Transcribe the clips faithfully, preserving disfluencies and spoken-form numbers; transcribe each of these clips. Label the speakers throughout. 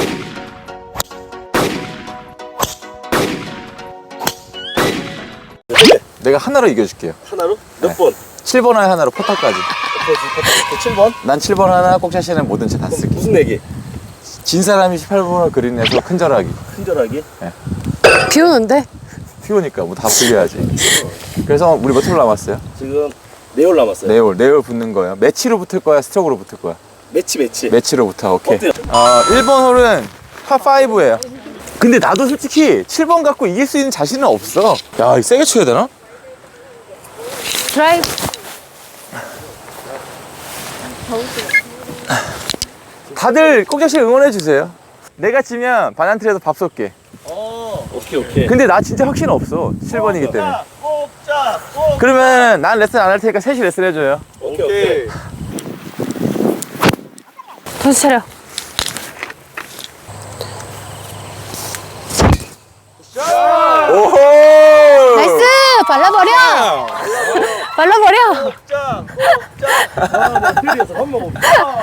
Speaker 1: 내가 하나로 이겨줄게요.
Speaker 2: 하나로? 몇 네. 번?
Speaker 1: 칠 번 하나로 퍼터까지.
Speaker 2: 칠 번?
Speaker 1: 난 칠 번 하나, 꼭샷시는 뭐든 다 쓸게.
Speaker 2: 무슨 내기?
Speaker 1: 진 사람이 십팔 번을 그린에서 큰절하기.
Speaker 2: 큰절하기?
Speaker 1: 네.
Speaker 3: 비 오는데?
Speaker 1: 비 오니까 뭐 다 풀려야지. 그래서 우리 몇 홀 남았어요?
Speaker 2: 지금 네 홀 남았어요.
Speaker 1: 네 홀, 네 홀 붙는 거예요. 매치로 붙을 거야, 스트로크로 붙을 거야?
Speaker 2: 매치 매치.
Speaker 1: 매치로 붙어, 오케이.
Speaker 2: 어때요?
Speaker 1: 어, 일 번 홀은 파오예요. 근데 나도 솔직히 칠 번 갖고 이길 수 있는 자신은 없어. 야, 이거 세게 쳐야 되나?
Speaker 3: 드라이브.
Speaker 1: 다들 꼭자씨 응원해 주세요. 내가 지면 바난트에서 밥 쏠게.
Speaker 2: 어, 오케이 오케이.
Speaker 1: 근데 나 진짜 확신 없어. 칠 번이기 때문에.
Speaker 2: 꼭자 꼭.
Speaker 1: 그러면 난 레슨 안 할 테니까 셋이 레슨 해줘요.
Speaker 2: 오케이 오케이.
Speaker 3: 정신 차려.
Speaker 1: 오호!
Speaker 3: 나이스! 발라버려! 발라버려!
Speaker 2: 꼭자 꼭자. 아, 나 필리에서 밥 먹어.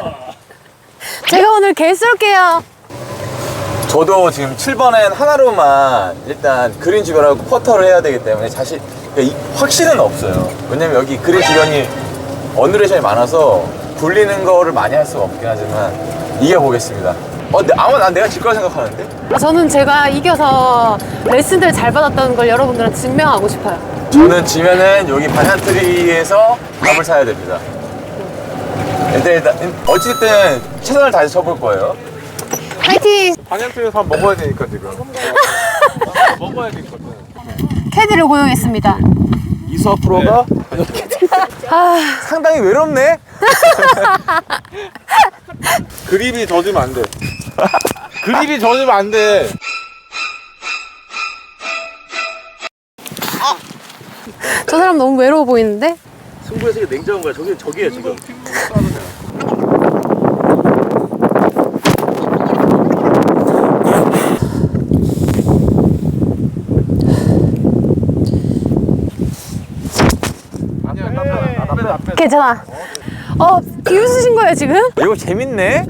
Speaker 3: 제가 오늘 개 쏠게요.
Speaker 1: 저도 지금 칠 번엔 하나로만 일단 그린 주변하고 퍼터를 해야 되기 때문에 사실 이 확신은 없어요. 왜냐면 여기 그린 주변이 언더레이션이 많아서 굴리는 거를 많이 할 수가 없긴 하지만 이겨보겠습니다. 어, 근데 아마 난 내가 질 거라 생각하는데?
Speaker 3: 저는 제가 이겨서 레슨들 잘 받았다는 걸 여러분들한테 증명하고 싶어요.
Speaker 1: 저는 지면은 여기 반얀트리에서 밥을 사야 됩니다. 일단, 일단 어쨌든 최선을 다해서 쳐볼 거예요.
Speaker 3: 파이팅!
Speaker 4: 반얀트에서 밥 먹어야 되니까 지금. 먹어야 되거든.
Speaker 3: 캐디를 고용했습니다.
Speaker 1: 이수아 프로가
Speaker 3: 아,
Speaker 1: 상당히 외롭네?
Speaker 4: 그립이 젖으면 안 돼. 그립이 젖으면 안 돼.
Speaker 3: 저 사람 너무 외로워 보이는데?
Speaker 2: 승부의 세계 냉정한 거야. 저기 저기에 지금.
Speaker 3: 괜찮아. 어, 비웃으신 거예요, 지금?
Speaker 1: 이거 재밌네?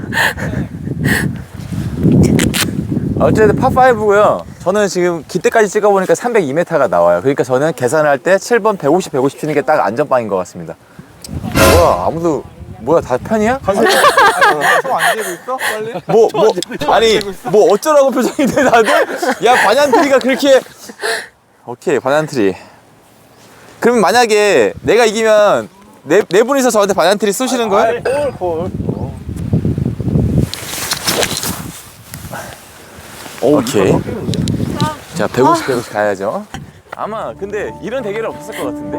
Speaker 1: 어쨌든 파오고요. 저는 지금 기대까지 찍어보니까 삼백이 미터가 나와요. 그러니까 저는 계산할 때 칠 번 백오십, 백오십 치는 게 딱 안전빵인 것 같습니다. 뭐야, 아무도, 뭐야, 다 편이야?
Speaker 4: 손안 대고 있어? 빨리?
Speaker 1: 뭐, 뭐, 아니, 뭐 어쩌라고 표정인데 다들? 야, 반얀트리가 그렇게. 오케이, 반얀트리. 그럼 만약에 내가 이기면 네, 네 분이서 저한테 반얀트리 쏘시는 거예요?
Speaker 2: 홀 홀.
Speaker 1: 오케이. 자, 백오십, 백오십 가야죠. 아마 근데 이런 대결은 없었을 것 같은데.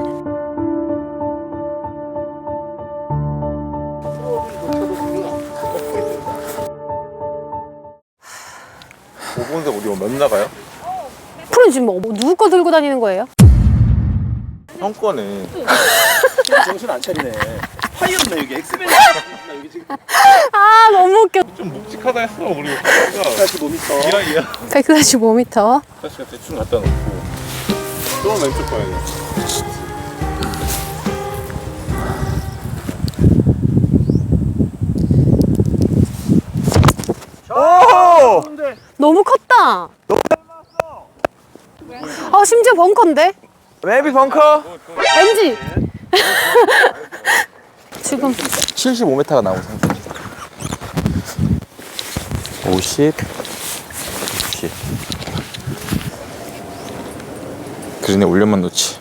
Speaker 4: 오 번인데 어디 몇 나가요?
Speaker 3: 프로는 지금 뭐, 누구 거 들고 다니는 거예요?
Speaker 4: 형 거네.
Speaker 2: 정신 안 차리네. 파이어네 여기 엑스맨. 여기 지금.
Speaker 3: 아, 너무 웃겨.
Speaker 4: 좀 묵직하다 했어 우리.
Speaker 2: 백사십오 미터.
Speaker 4: 이야 이야.
Speaker 3: 백사십오 미터.
Speaker 4: 사실 대충 갖다 놓고. 또 왼쪽 봐야 돼.
Speaker 1: 오!
Speaker 3: 너무 컸다. 아, 심지어 벙커인데?
Speaker 1: maybe 벙커?
Speaker 3: 엠지! 지금
Speaker 1: 칠십오 미터가 나오고 상승입니다. 오십, 육십. 그린에 올려만 놓지.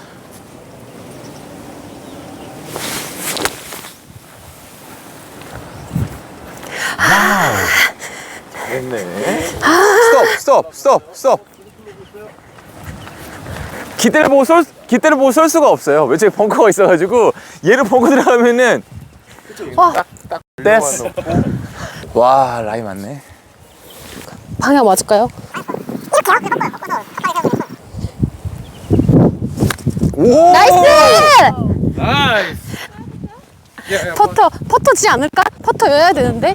Speaker 1: 와우. 잘했네. 스톱, 스톱, 스톱, 스톱. 기대를 보고 쏠, 기대를 보고 쏠 수가 없어요. 왜 저기 벙커가 있어가지고 얘를 벙커 들어가면은
Speaker 3: 와,
Speaker 1: 됐어. 와, 라이 맞네.
Speaker 3: 방향 맞을까요?
Speaker 1: 오!
Speaker 3: 나이스!
Speaker 4: 나이스. 야, 야,
Speaker 3: 퍼터, 퍼터지 않을까? 퍼터여야 되는데?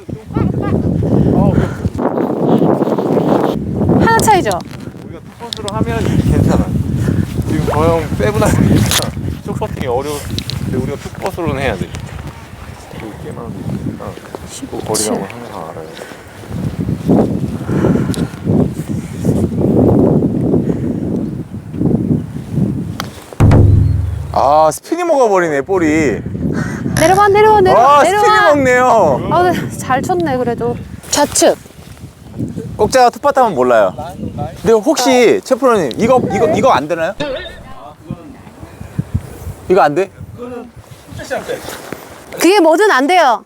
Speaker 3: 하나 차이죠?
Speaker 4: 우리가 투퍼스로 하면 괜찮아. 지금 저 형 세븐하고 있으니까 쇼퍼팅이 어려워. 근데 우리가 투퍼스로는 해야 돼. 그 게임하는 거 있으니까 그 거리감을 항상 알아야 돼.
Speaker 1: 아, 스피니 먹어버리네, 볼이.
Speaker 3: 내려와 내려와 내려와
Speaker 1: 아, 스피니
Speaker 3: 내려와.
Speaker 1: 먹네요.
Speaker 3: 아, 근데 잘 쳤네 그래도. 좌측.
Speaker 1: 꼭자가 투파트 하면 몰라요. 근데 혹시 최프로님 이거 이거 이거 안 되나요? 이거 안 돼?
Speaker 3: 그게 뭐든 안 돼요.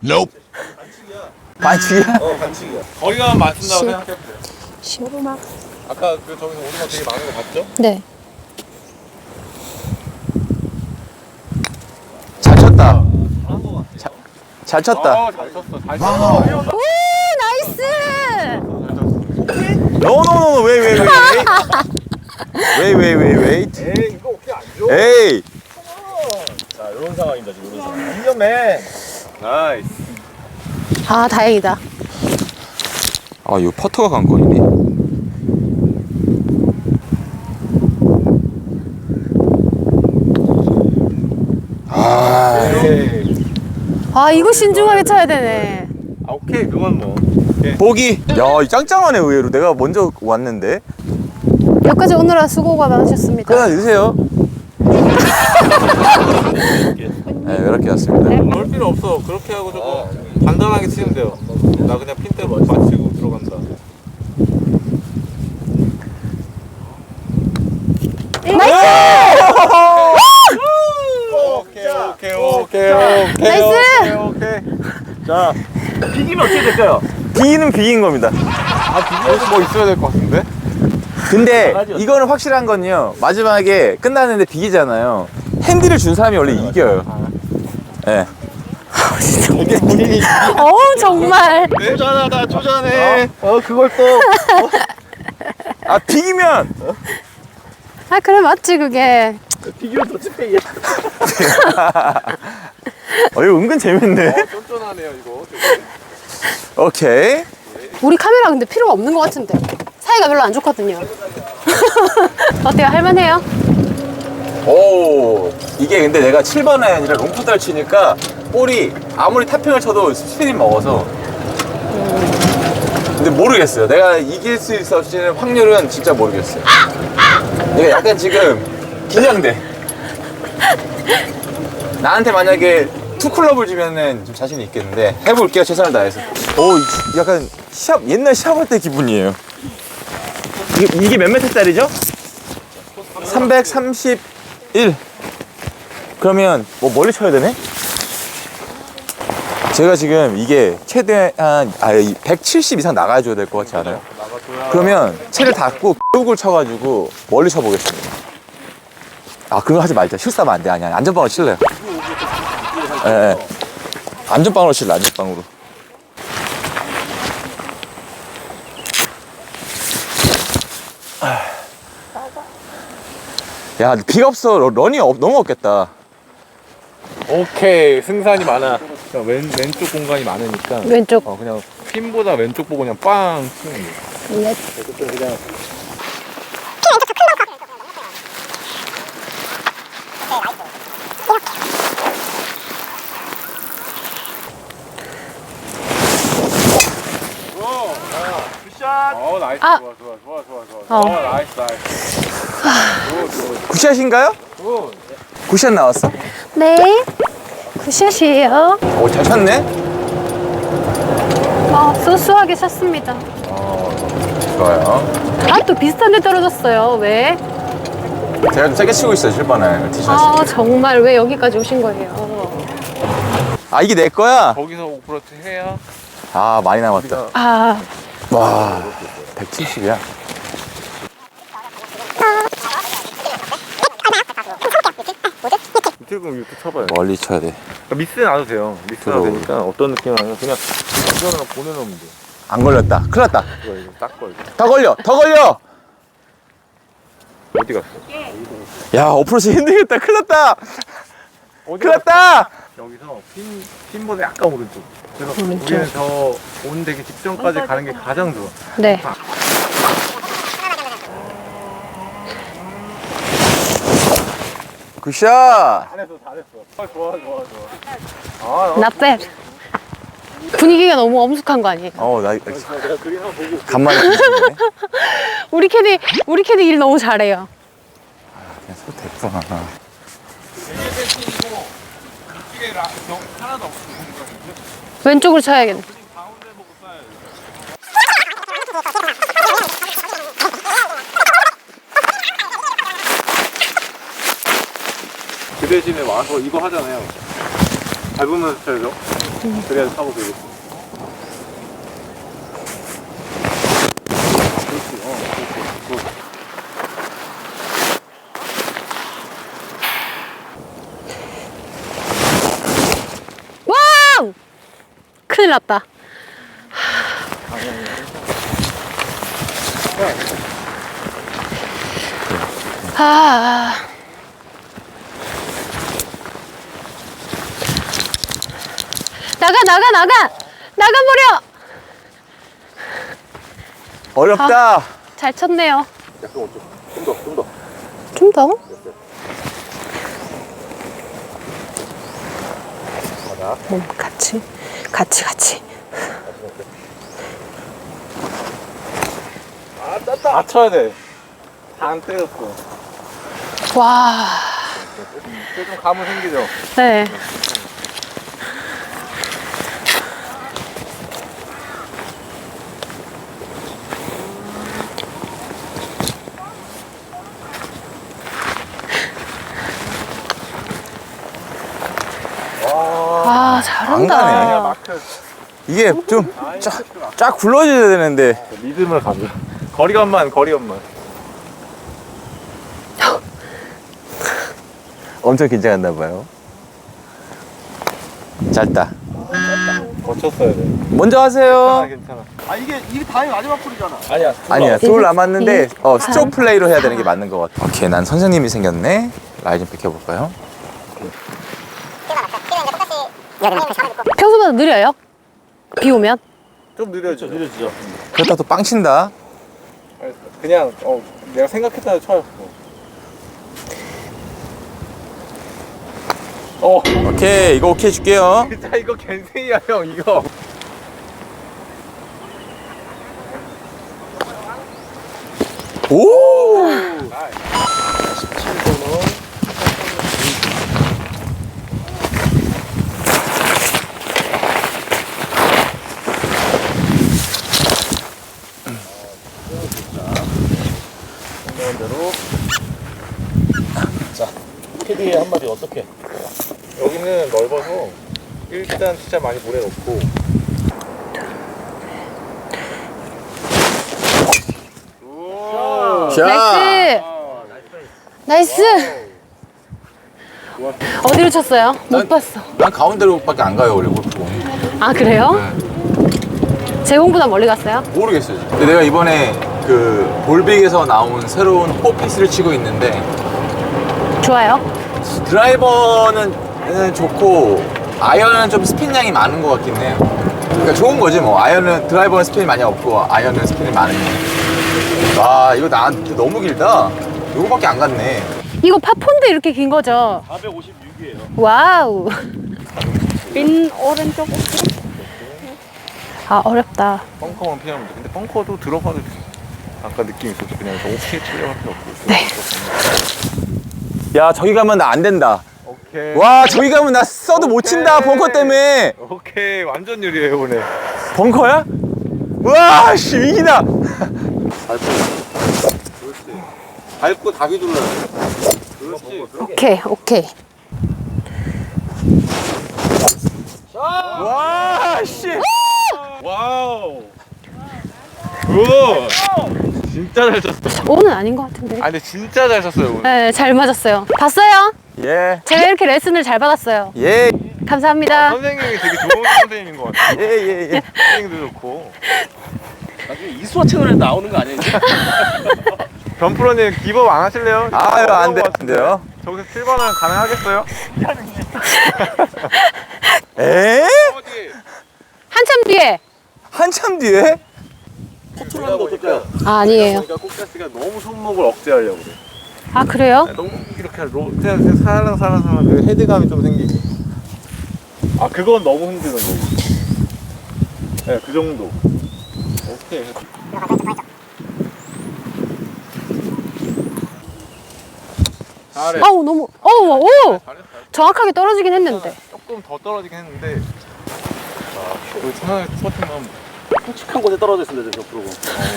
Speaker 1: 반칙이야?
Speaker 4: 어, 반칙이야. 거리가 맞춘다고
Speaker 3: 시-
Speaker 4: 생각해보세요.
Speaker 3: 시오르막.
Speaker 4: 아까 그 저기서 오르막 되게 많은 거 봤죠?
Speaker 3: 네.
Speaker 1: 잘 쳤다. 자, 잘 쳤다.
Speaker 4: 어, 잘 쳤어. 잘 쳤어.
Speaker 3: 오 나이스.
Speaker 1: 노노노 웨이 웨이 웨이 웨이 웨이 웨이 웨이
Speaker 4: 에이, 이거 오케이 안 줘.
Speaker 1: 에이.
Speaker 4: 자, 이런 상황입니다, 지금 이런 상황. 위험해. 나이스.
Speaker 3: 아 다행이다.
Speaker 1: 아, 이거 퍼터가 관건이네. 아,
Speaker 4: 에이.
Speaker 3: 아 이거 신중하게 쳐야 되네.
Speaker 4: 아, 오케이, 그건 뭐.
Speaker 1: 보기. 야, 이 짱짱하네 의외로. 내가 먼저 왔는데.
Speaker 3: 여기까지 오느라 수고가 많으셨습니다.
Speaker 1: 끊어 주세요. 네, 이렇게 왔습니다.
Speaker 4: 그럴 필요 없어. 그렇게 하고 조금 간단하게 치면 돼요. 나 그냥 핀대로 맞추고 들어간다. 오케이, 오케이, 오케이, 오케이.
Speaker 3: 나이스!
Speaker 4: 오케이. 자,
Speaker 2: 비기면 어떻게 될까요?
Speaker 1: 비기는 비긴 겁니다.
Speaker 4: 아, 비교해서 뭐 있어야 될 것 같은데?
Speaker 1: 근데 이거는 확실한 건요. 마지막에 끝났는데 비기잖아요. 핸디를 준 사람이 원래 이겨요. 예.
Speaker 4: 이게 본인이
Speaker 3: 어우 정말.
Speaker 4: 쪼잔하다, 쪼잔해. 어, 그걸 또.
Speaker 1: 아, 비기면
Speaker 3: 아 그래 맞지 그게.
Speaker 2: 비기면 더 찐빼기야.
Speaker 1: 어, 이거 은근 재밌네.
Speaker 4: 쫀쫀하네요, 이거.
Speaker 1: 오케이.
Speaker 3: 우리 카메라 근데 필요가 없는 것 같은데. 사이가 별로 안 좋거든요. 어때요? 할만해요?
Speaker 1: 오, 이게 근데 내가 칠 번 아니라 롱푸드를 치니까 볼이 아무리 탑핑을 쳐도 스피닝 먹어서. 근데 모르겠어요. 내가 이길 수 있을지는 확률은 진짜 모르겠어요. 내가 약간 지금 긴장돼. 나한테 만약에 투클럽을 주면은 좀 자신이 있겠는데 해볼게요. 최선을 다해서. 오, 이- 약간 시합 옛날 시합할 때 기분이에요. 이게, 이게 몇 미터짜리죠? 삼백삼십일. 그러면 뭐 멀리 쳐야 되네? 제가 지금 이게 최대한 아, 백칠십 이상 나가줘야 될 것 같지 않아요? 그러면 채를 닫고 꾹을 쳐가지고 멀리 쳐보겠습니다. 아, 그거 하지 말자. 실수하면 안 돼. 아니, 아니. 안전빵으로 칠래요. 예, 예. 안전빵으로 칠래, 안전빵으로. 야, 비가 없어. 러- 런이 없, 너무 없겠다.
Speaker 4: 오케이, 승산이 많아. 그냥 왼, 왼쪽 공간이 많으니까.
Speaker 3: 왼쪽.
Speaker 4: 어, 그냥 핀보다 왼쪽 보고 그냥 빵 치면 돼.
Speaker 3: 넷.
Speaker 2: 굿샷.
Speaker 4: 어, 나이스.
Speaker 3: 아.
Speaker 4: 좋아, 좋아, 좋아, 좋아, 좋아.
Speaker 3: 어.
Speaker 4: 어, 나이스, 나이스.
Speaker 1: 굿샷인가요?
Speaker 4: 굿.
Speaker 1: 굿샷 나왔어?
Speaker 3: 네. 굿샷이에요.
Speaker 1: 오, 잘 쳤네?
Speaker 3: 어, 소소하게 쳤습니다.
Speaker 1: 좋아요.
Speaker 3: 아, 또 비슷한 데 떨어졌어요. 왜?
Speaker 1: 제가 좀 세게 치고 있어요, 칠번에 티샷.
Speaker 3: 아, 정말 왜 여기까지 오신 거예요?
Speaker 1: 아, 이게 내 거야?
Speaker 4: 거기서 오 퍼센트 해야.
Speaker 1: 아, 많이 남았다.
Speaker 3: 아,
Speaker 1: 와, 백칠십이야.
Speaker 4: 밑에 그럼 이렇게 쳐봐요.
Speaker 1: 멀리 쳐야 돼.
Speaker 4: 그러니까 미스는 안 해도 돼요. 미스가
Speaker 1: 들어오고.
Speaker 4: 되니까 어떤 느낌은 아니라 그냥 이거는 보내놓으면 돼.
Speaker 1: 안 걸렸다. 큰일 났다.
Speaker 4: 이거 이거 딱 걸려.
Speaker 1: 더 걸려, 더 걸려!
Speaker 4: 어디 갔어?
Speaker 1: 야, 어프로치 힘들겠다. 큰일 났다.
Speaker 4: 어디
Speaker 1: 큰일 났다.
Speaker 4: 여기서 핀, 핀보다 약간 오른쪽. 그래서 우리는 저 온 되기 직전까지 가는 게 가장 좋아.
Speaker 3: 네.
Speaker 1: 굿샷.
Speaker 4: 잘했어, 잘했어. 아, 좋아, 좋아, 좋아.
Speaker 3: Not bad. 분위기가 너무 엄숙한 거 아니에요?
Speaker 1: 어, 나
Speaker 4: 내가 그림 한번 보고.
Speaker 1: 간만에 보시네.
Speaker 3: 우리 캐디, 우리 캐디 일 너무 잘해요.
Speaker 1: 그냥 소 됐구나.
Speaker 4: 왼쪽에 라, 너, 하나도 없어.
Speaker 3: 왼쪽으로 쳐야겠네.
Speaker 4: 가운데 보고 쏴야 돼. 그 대신에 와서 이거 하잖아요. 밟으면서 쳐야죠. 그래야 사고 되겠어. 그렇지, 어, 그렇지. 그.
Speaker 3: 와우! 큰일 났다. 아. 나가, 나가, 나가! 나가버려!
Speaker 1: 어렵다.
Speaker 3: 잘 쳤네요.
Speaker 1: 약간 좀 더, 좀 더.
Speaker 3: 좀 더? 음, 같이, 같이, 같이.
Speaker 4: 다 쳐야 돼. 다 안 때렸어.
Speaker 3: 와.
Speaker 4: 그게 좀 감은 생기죠?
Speaker 3: 네. 아,
Speaker 1: 안
Speaker 3: 잘한다.
Speaker 1: 가네.
Speaker 4: 마크.
Speaker 1: 이게 좀 쫙 굴러줘야 되는데.
Speaker 4: 리듬을 가져. 거리감만, 거리감만.
Speaker 1: 엄청 긴장했나 봐요. 짧다.
Speaker 4: 거쳤어야 돼.
Speaker 1: 먼저 하세요.
Speaker 4: 괜찮아.
Speaker 2: 아 이게 이게 다음이 마지막 풀이잖아.
Speaker 4: 아니야.
Speaker 1: 아니야, 둘 남았는데 어,
Speaker 3: 아.
Speaker 1: 스트로크 플레이로 해야 되는 게 맞는 것 같아. 오케이, 난 선생님이 생겼네. 라이 좀 비켜볼까요?
Speaker 3: 평소보다 느려요? 비 오면?
Speaker 4: 좀 느려져. 느려지죠.
Speaker 1: 그러다 또 빵 친다.
Speaker 4: 그냥 어 내가 생각했던 대로 쳐요. 어.
Speaker 1: 오케이, 이거 오케이 줄게요.
Speaker 4: 진짜 이거 겐생이야 형 이거.
Speaker 1: 오!
Speaker 2: 대로. 자, 캐디의 한마디 어떻게?
Speaker 4: 여기는 넓어서 일단 진짜 많이 모래 넣고.
Speaker 1: 자,
Speaker 3: 나이스! 나이스! 어디로 쳤어요? 못
Speaker 1: 난-
Speaker 3: 봤어.
Speaker 1: 난 가운데로밖에 안 가요, 원래 골프공.
Speaker 3: 아, 그래요? 제공보다 멀리 갔어요?
Speaker 1: 모르겠어요. 지금. 근데 내가 이번에 그 볼빅에서 나온 새로운 호피스를 치고 있는데
Speaker 3: 좋아요.
Speaker 1: 드라이버는 좋고 아이언은 좀 스핀량이 많은 것 같긴 해요. 그러니까 좋은 거지 뭐. 아이언은 드라이버는 스핀이 많이 없고 아이언은 스핀이 많으니. 아, 이거 나한테 너무 길다. 요거밖에 안 갔네.
Speaker 3: 이거 파폰도 이렇게 긴 거죠?
Speaker 2: 사백오십육이에요.
Speaker 3: 와우. 빈 오른쪽. 아, 어렵다.
Speaker 4: 벙커만 피하면 돼. 근데 벙커도 들어가도 아까 느낌 있었죠. 그냥 오케이 치려고 할 필요 없고.
Speaker 3: 네.
Speaker 1: 야, 저기 가면 나 안 된다.
Speaker 4: 오케이.
Speaker 1: 와, 저기 가면 나 써도 못 친다.
Speaker 4: 오케이.
Speaker 1: 벙커 때문에.
Speaker 4: 오케이 완전 유리해요 오늘.
Speaker 1: 벙커야? 와, 씨, 위기다.
Speaker 4: 밟고. 그렇지. 밟고 다기 눌러야 돼. 그렇지.
Speaker 3: 오케이, 오케이.
Speaker 1: 와, 씨.
Speaker 4: 와우. 굿. 진짜 잘 쳤어.
Speaker 3: 오는 아닌 것 같은데.
Speaker 4: 아 근데 진짜 잘 쳤어요 오늘.
Speaker 3: 네, 잘 맞았어요. 봤어요?
Speaker 1: 예.
Speaker 3: 제가 이렇게 레슨을 잘 받았어요.
Speaker 1: 예.
Speaker 3: 감사합니다.
Speaker 4: 선생님이 되게 좋은 선생님인 것 같아요.
Speaker 1: 예, 예, 예.
Speaker 4: 선생님도 좋고.
Speaker 2: 나중에 이수화 채널에 나오는 거 아니야 이제?
Speaker 4: 변프로님 기법 안 하실래요?
Speaker 1: 아유, 안 돼,
Speaker 4: 어려운 것
Speaker 1: 안
Speaker 4: 같은데.
Speaker 1: 돼요.
Speaker 4: 저기서 칠 번은 가능하겠어요?
Speaker 1: 에?
Speaker 4: 어디?
Speaker 3: 한참 뒤에.
Speaker 1: 한참 뒤에?
Speaker 2: 컨트롤하는 거 어떨까요?
Speaker 3: 아, 아니에요.
Speaker 4: 그러니까 꼭자스가 너무 손목을 억제하려고 그래.
Speaker 3: 아, 그래요?
Speaker 4: 너무 이렇게 로, 그냥, 그냥 살랑살랑살랑 그 헤드감이 좀 생기고. 아 그건 너무 힘드는 거고. 네, 그 정도. 오케이. 잘해.
Speaker 3: 아우, 너무, 어우, 오!
Speaker 4: 잘했어.
Speaker 3: 정확하게 떨어지긴 했는데.
Speaker 4: 조금 더 떨어지긴 했는데 아, 그 천안에 스퍼팅만
Speaker 2: 굵직한 곳에 떨어져 있습니다, 저 프로고.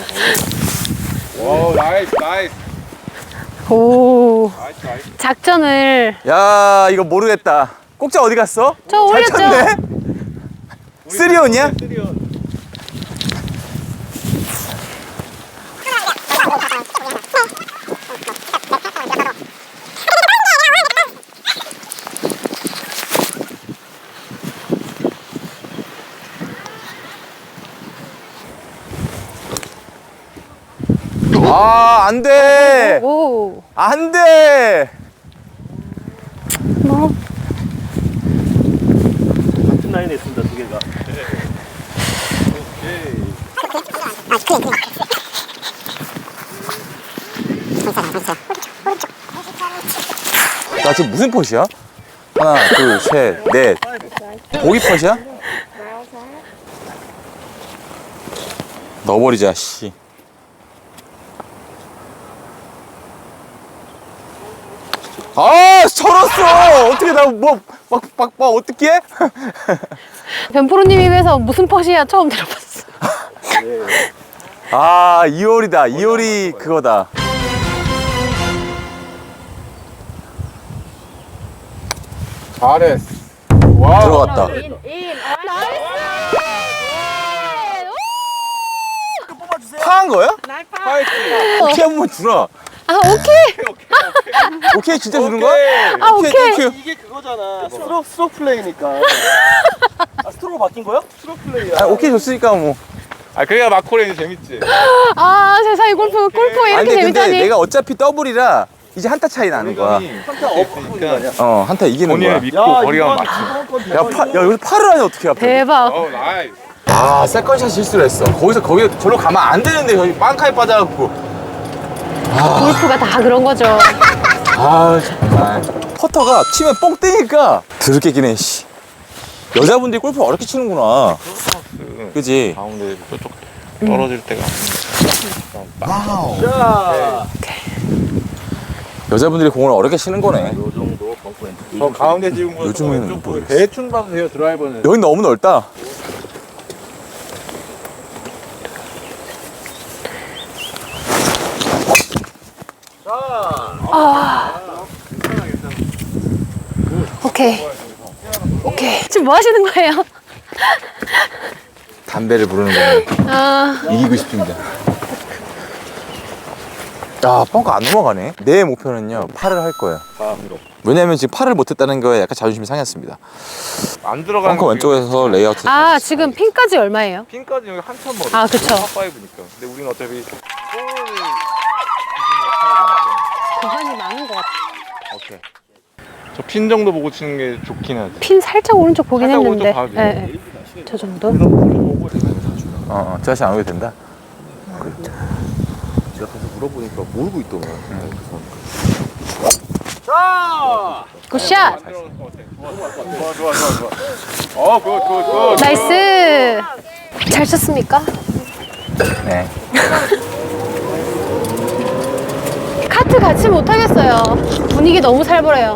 Speaker 4: 와 나이스 나이스
Speaker 3: 오.
Speaker 4: 나이스 나이스
Speaker 3: 작전을.
Speaker 1: 야 이거 모르겠다. 꼭자 어디 갔어?
Speaker 3: 저
Speaker 1: 잘
Speaker 3: 올렸죠?
Speaker 1: 쳤네? 쓰리온이야?
Speaker 4: 쓰리온
Speaker 1: 아, 안 돼!
Speaker 3: 오.
Speaker 1: 안 돼!
Speaker 3: 뭐.
Speaker 2: 같은 라인에 있습니다, 두 개가.
Speaker 1: 나 지금 무슨 펫이야? 하나, 둘, 셋, 넷. 고기 펫이야? 넣어버리자, 씨. 아, 절었어! 어떻게 나 뭐, 막, 막, 막, 어떻게 해?
Speaker 3: 변프로님 입에서 무슨 펫이야 처음 들어봤어.
Speaker 1: 아, 이월이다. 이월이 그거다.
Speaker 4: 잘했어 와
Speaker 1: 들어갔다. 파한 거야?
Speaker 4: 파이팅
Speaker 1: 오케이 한번 주라.
Speaker 3: 아 오케이.
Speaker 1: 오케이 진짜 주는 거야?
Speaker 3: 아 오케이.
Speaker 1: 땡큐.
Speaker 2: 이게 그거잖아. 스트로, 스트로 플레이니까. 아, 스트로로 바뀐 거야? 스트로 플레이야.
Speaker 1: 아, 오케이 줬으니까 뭐.
Speaker 4: 아 그래야 마코레이 재밌지
Speaker 3: 아 세상에 골프 골프 왜
Speaker 1: 아니
Speaker 3: 이렇게
Speaker 1: 근데, 근데
Speaker 3: 재밌다니.
Speaker 1: 내가 어차피 더블이라 이제 한타 차이 나는 거야.
Speaker 2: 한타 업고 있는 거 아니야?
Speaker 1: 어, 한타 이기는 거야.
Speaker 4: 본인을 믿고 거리가 맞춰
Speaker 1: 야, 파, 야, 여기 팔을 하니 어떻게 해?
Speaker 3: 대박.
Speaker 4: 어 나이스
Speaker 1: 아, 세컨샷 실수를 했어. 거기서 거기 절로 가면 안 되는데 여기 빵카에 빠져갖고.
Speaker 3: 골프가 다 그런 거죠.
Speaker 1: 아, 정말. 퍼터가 치면 뽕 뜨니까 드럽게 기네, 씨. 여자분들이 골프 어렵게 치는구나. 그지?
Speaker 4: 가운데 저쪽 떨어질 때가
Speaker 2: 자,
Speaker 1: 여자분들이 공을 어렵게 치는 거네.
Speaker 2: 요 정도 벙커 엔트.
Speaker 4: 저 가운데 찍은 거
Speaker 1: 요즘에는
Speaker 4: 왼쪽
Speaker 1: 모르겠어.
Speaker 4: 대충 봐도 돼요 드라이버는
Speaker 1: 여기 너무 넓다.
Speaker 3: 오케이. 오케이. 지금 뭐 하시는 거예요?
Speaker 1: 담배를 부르는 거네.
Speaker 3: 아
Speaker 1: 이기고 싶습니다. 야, 뻥커 안 넘어가네. 내 목표는요, 팔을 할 거예요. 왜냐면 지금 팔을 못했다는 거에 약간 자존심이 상했습니다.
Speaker 4: 안 들어가는
Speaker 1: 벙커 왼쪽에서 레이아웃.
Speaker 3: 아, 지금 핀까지 얼마예요?
Speaker 4: 핀까지 여기 한참 멀어
Speaker 3: 아, 그쵸.
Speaker 4: 팝파이브니까 근데 우리는 어차피 볼을
Speaker 3: 고관이 많은 것 같아.
Speaker 1: 오케이.
Speaker 4: 저 핀 정도 보고 치는 게 좋긴 하지
Speaker 3: 핀 살짝 오른쪽 보긴
Speaker 4: 살짝
Speaker 3: 했는데.
Speaker 4: 오른쪽 봐도 돼요.
Speaker 3: 예, 예. 저 정도?
Speaker 1: 어, 어, 저 다시 안 오게 된다.
Speaker 2: 제가 가서 물어보니까 모르고 있더만.
Speaker 3: 굿샷!
Speaker 4: 좋아 좋아 좋아 좋아 어굿굿굿
Speaker 3: 나이스! 잘 쳤습니까?
Speaker 1: 네.
Speaker 3: 카트 같이 못하겠어요. 분위기 너무 살벌해요.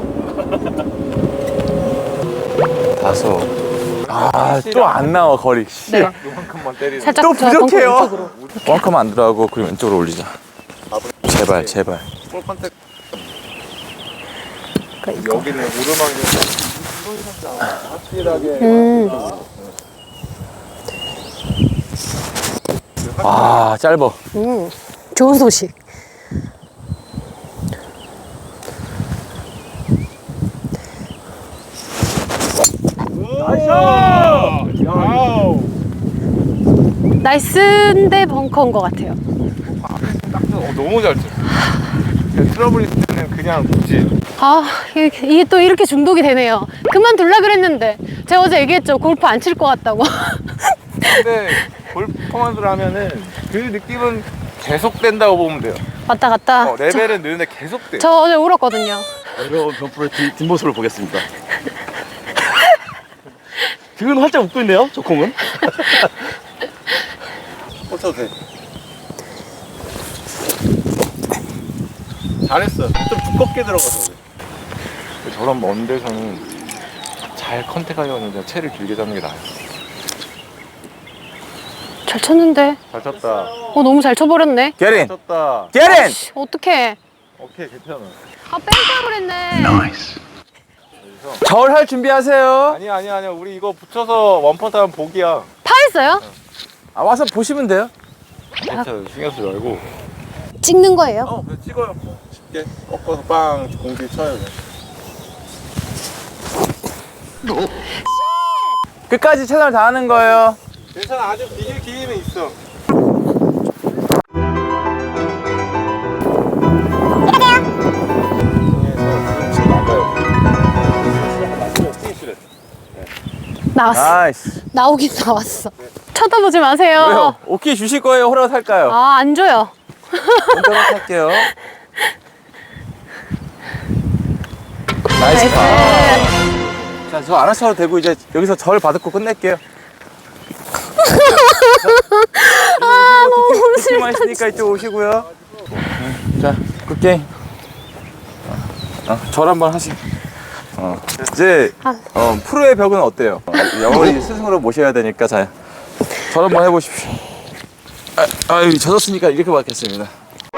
Speaker 1: 다섯. 아, 또 안 나와, 거리. 씨.
Speaker 3: 네.
Speaker 4: 요만큼만 때리는
Speaker 3: 살짝
Speaker 1: 또
Speaker 3: 저 벙커
Speaker 1: 부족해요.
Speaker 3: 왼쪽으로.
Speaker 1: 뻥커만 안 들어가고, 그리고 왼쪽으로 올리자. 제발, 제발.
Speaker 4: 볼 컨택
Speaker 3: 그러니까 이거.
Speaker 4: 여기는 오르막이 확실하게
Speaker 3: 음.
Speaker 1: 아, 짧어.
Speaker 3: 음. 좋은 소식.
Speaker 4: 나이스 와우
Speaker 3: 나이스인데 벙커인 것 같아요.
Speaker 4: 딱 어, 너무 잘 쳤어 그냥 트러블 있을 때는 그냥 굳이
Speaker 3: 아, 이게, 이게 또 이렇게 중독이 되네요. 그만둘라 그랬는데. 제가 어제 얘기했죠. 골프 안 칠 것 같다고.
Speaker 4: 근데 골프 퍼포먼스를 하면은 그 느낌은 계속된다고 보면 돼요
Speaker 3: 왔다 갔다.
Speaker 4: 어, 레벨은 느는데 계속돼
Speaker 3: 저 어제 울었거든요.
Speaker 2: 어려운 변프로의 뒷- 뒷모습을 보겠습니다. 지금 활짝 웃고 있네요, 저 콩은.
Speaker 4: 꽂혀도 돼 잘했어 좀 두껍게 들어가서 그래 저런 먼 데서는 잘 컨택하려면 그냥 채를 길게 잡는 게 나아요.
Speaker 3: 잘 쳤는데.
Speaker 4: 잘 쳤다.
Speaker 3: 어, 너무 잘 쳐버렸네.
Speaker 1: Get in.
Speaker 4: 잘 쳤다.
Speaker 1: Get in.
Speaker 3: 어떡해.
Speaker 4: 오케이, 괜찮아.
Speaker 3: 아, 뺑까 그랬네.
Speaker 1: 절 할 준비하세요.
Speaker 4: 아니야, 아니야, 아니야. 우리 이거 붙여서 원퍼트 하면 복이야.
Speaker 3: 파했어요?
Speaker 1: 아, 와서 보시면 돼요.
Speaker 4: 괜찮아. 신경 쓰지 말고.
Speaker 3: 찍는 거예요?
Speaker 4: 어, 그냥 찍어요. 쉽게 꺾어서 빵 공기 쳐요. 그냥.
Speaker 1: 끝까지 최선을 다하는 거예요.
Speaker 4: 괜찮아. 아주 비길 기회는 있어.
Speaker 3: 나왔어.
Speaker 1: 나이스.
Speaker 3: 나오긴 나왔어. 쳐다보지 마세요.
Speaker 1: 왜요? 오케이 주실 거예요? 허락할까요?
Speaker 3: 아, 안 줘요.
Speaker 1: 먼저 허락할게요. 나이스. 파. 자, 저 알아서 하도 되고 이제 여기서 절 받고 끝낼게요.
Speaker 3: 아, 너무
Speaker 1: 티만 있으니까 이쪽 오시고요. 자, 굿게임. 어, 절 한번 하시. 어, 이제 어, 프로의 벽은 어때요? 어, 영원히 스승으로 모셔야 되니까 자, 절 한번 해보십시오. 아, 아유, 젖었으니까 이렇게 받겠습니다.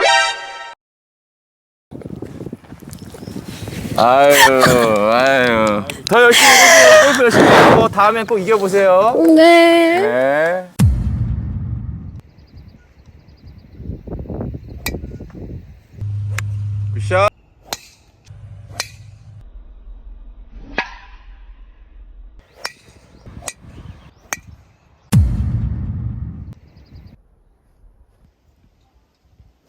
Speaker 1: 아유, 아유. 더 열심히 해보세요. 골프 열심히 하고 다음엔 꼭 이겨보세요.
Speaker 3: 네.
Speaker 1: 네. 굿샷.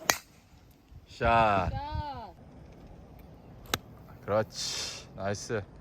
Speaker 1: 샷. 그렇지. 나이스.